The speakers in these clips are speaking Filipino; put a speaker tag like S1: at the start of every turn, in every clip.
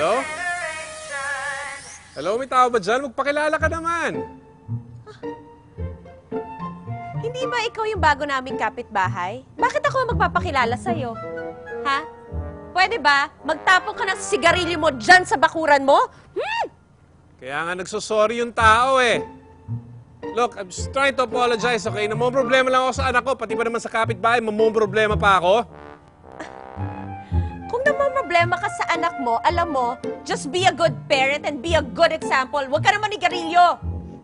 S1: Hello? Hello, may tao ba dyan? Magpakilala ka naman.
S2: Hindi ba ikaw yung bago naming kapitbahay? Bakit ako magpapakilala sa'yo? Ha? Pwede ba? Magtapon ka ng sigarilyo mo dyan sa bakuran mo?
S1: Kaya nga nagsosorry yung tao eh. Look, I'm just trying to apologize, okay? Problema lang ako sa anak ko, pati ba naman sa kapitbahay, problema pa ako?
S2: Kung problema ka sa anak mo, alam mo, just be a good parent and be a good example. Huwag ka naman nigarilyo.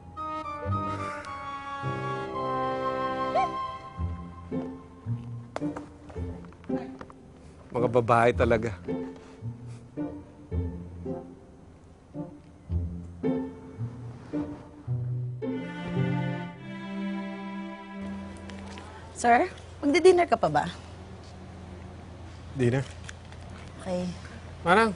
S1: Mga babae talaga.
S3: Sir, magdi-dinner ka pa ba?
S1: Dinner?
S3: Okay.
S1: Manang,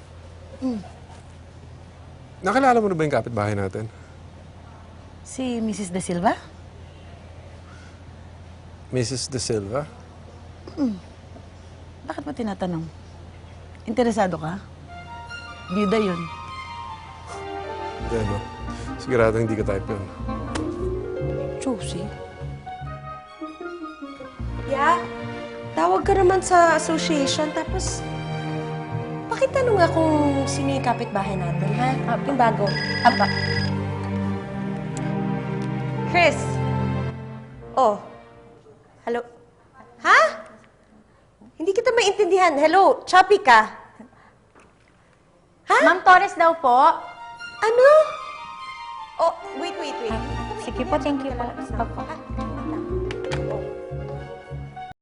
S1: nakilala mo na ba yung kapitbahay natin?
S3: Si Mrs. De Silva?
S1: Mrs. De Silva?
S3: Bakit mo tinatanong? Interesado ka? Bida yun.
S1: Hindi, no? Sigurado hindi ka type yun.
S3: Josie?
S2: Yeah? Tawag ka naman sa association, tapos pakitanong nga kung sino yung kapitbahay natin, ha? Yung bago.
S3: Apa?
S2: Chris! Oh. Hello? Ha? Hindi kita maintindihan. Hello? Choppy ka? Ha?
S4: Ma'am Torres daw po.
S2: Ano? Oh, wait.
S4: Sige po, thank you po. Opo.